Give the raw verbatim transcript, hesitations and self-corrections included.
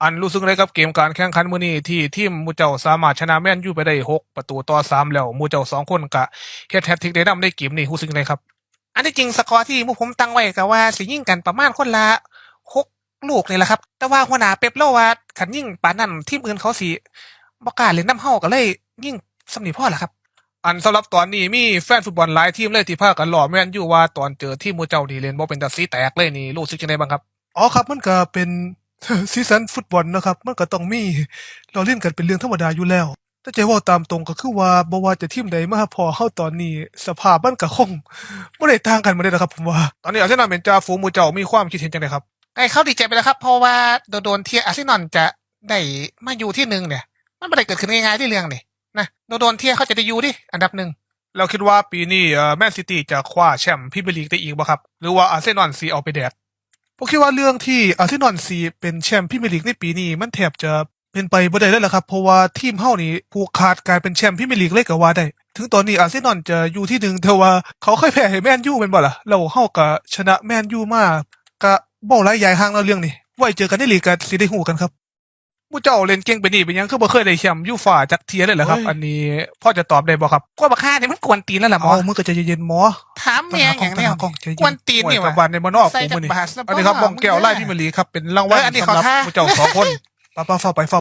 อันรู้สึกเลยกับเกมการแข่งขันมื้อนี้ที่ทีมหมู่เจ้าสามารถชนะแมนยูไปได้หกประตูต่อสามแล้วหมู่เจ้าสองคนก็เฮ็ดแฮตทริกได้นำในเกมนี้รู้สึกจังไดครับอันที่จริงสกอร์ที่หมู่ผมตั้งไว้ก็ว่าสิยิงกันประมาณคนละหกลูกนี่แหละครับแต่ว่าหัวหน้าเป๊ปเล่าว่าคันยิงปานนั้นทีมอื่นเขาสิบ่กล้าเล่นนำเฮาก็เลยยิงส่ำนี้พอล่ะครับอันสำหรับตอนนี้มีแฟนฟุตบอลหลายทีมเลยที่พากันล้อแม่นอยู่ว่าตอนเจอทีมหมู่เจ้านี่เล่นบ่เป็นตาสีแตกเลยนี่รู้สึกจังไดบ้างครับอ๋อครับมันก็เป็น ซีซั่นฟุตบอลนะครับมันก็ต้องมีเราเล่นกันเป็นเรื่องธรรมดาอยู่แล้วแต่ใจเว่าตามตรงก็คือว่าบ่ว่าจะทีมใดมาพอเฮาตอนนี้สภาพมันก็คงบ่ได้ต่างกันมาเลยนะครับผมว่าตอนนี้อาร์เซนอลเป็นจ่าฝูงหมู่เจ้ามีความคิดเห็นจังไดครับไอ้เขาดีใจไปแล้วครับเพราะว่าโดนๆที่อาร์เซนอลจะได้มาอยู่ที่หนึ่งเนี่ยมันบ่ได้เกิดขึ้นง่ายๆที่เรื่องนี่นะโดนๆที่เขาจะได้อยู่ดิอันดับหนึ่งเราคิดว่าปีนี้เอ่อแมนซิตี้จะคว้าแชมป์พรีเมียร์ลีกได้อีกบ่ครับหรือว่าอาร์เซนอลสิเอาไปแดก ผมคิดว่าเรื่องที่อาร์เซนอลซีเป็นแชมป์พรีเมียร์ลีกในปีนี้มันแทบจะเป็นไปบ่ได้แล้วล่ะครับเพราะว่าทีมเฮานี่ผูกขาดการเป็นแชมป์พรีเมียร์ลีกเลยก็ว่าได้ถึงตอนนี้อาร์เซนอลจะอยู่ที่หนึ่งแต่ว่าเขาเคยแพ้ให้แมนยูแม่นบ่ล่ะแล้วเฮาก็ชนะแมนยูมาก็บ่หลายใหญ่ห่างแล้วเรื่องนี้ไว้เจอกันในลีกก็สิได้ฮู้กันครับผู้เจ้าเล่นเก่งไปนี่เป็นหยังคือบ่เคยได้แชมป์ยูฟ่าจักเที่ยเลยเหรอครับอันนี้พอจะตอบได้บ่ครับกวนบักห่านี่มันกวนตีนแล้วล่ะหมอมึงก็ใจเย็นๆหมอถามแม่งหยังแนวกวนตีนนี่ว่าบ้านในบ่นอกกูมื้อนี้อันนี้ครับมองแก้วไล่พรีเมียร์ลีกครับเป็นรางวัลสำหรับผู้เจ้าสองคนป้าๆเฝ้าไปเฝ้า